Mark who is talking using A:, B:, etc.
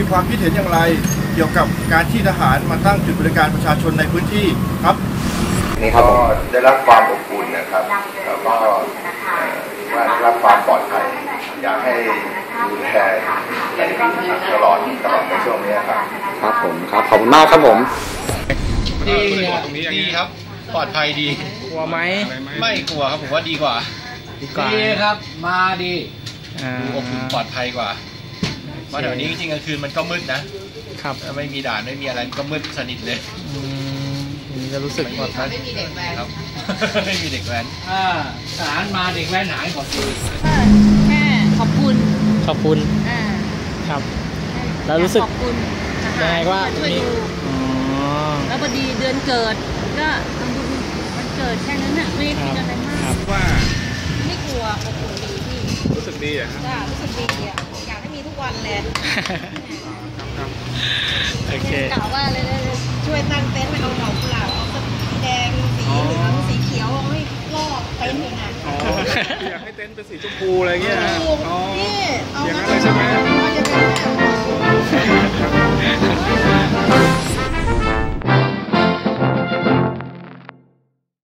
A: ความคิดเห็นอย่างไรเกี่ยวกับการที่ทหารมาตั้งจุดบริการประชาชนในพื้นที่ครับ
B: นี่ครับก็ได้รับความอบอุ่นนะครับแล้วก็ได้รับความปลอดภัยอยากให้ดูแลตลอดในช่วงนี้ครับครับผมครับขอบคุณมากครับผม
C: ดีครับปลอดภัยดี
D: กลัวไหม
C: ไม่กลัวครับผมว่าดีกว่า
D: ดีครับมาดี
C: อบอุ่นปลอดภัยกว่าเพราะเดี๋ยวนี้จริงๆกลางคืนมันก็มืดนะครับไม่มีด่านไม่มีอะไรก็มืดสนิทเลย
D: จะรู้สึกปลอดภัย
C: ไม่มีเด็กแว้นครับไม่มีเด็กแว้น
D: ทหารมาเด็กแว้นหายหมด
E: แค่ขอบคุณ
D: ครับแล้วรู้สึกยังไงว่า
E: ช่วยดูแล้วพอดีเดือนเกิดก็ทำบุญวันเกิดแค่นั้นน่ะไม่ได้คิดอะไรมาก
D: ว่า
E: ไม่กลัวอบอุ่นดีพี่
D: รู้สึกดีอ่ะ
E: จ้ารู้สึกดีอ่ะอยากให้มีทุกวันเลย
D: โอเค
E: กล่าวว่าเลยช่วยตั้งเต็นท์เอาดอกกุหลาบเอาสีแดงสีเหลืองสีเขียวให้รอบเต็นท์เลยนะ
D: อยากให้เต็นท์เป็นสีชมพูอะไรเงี้ย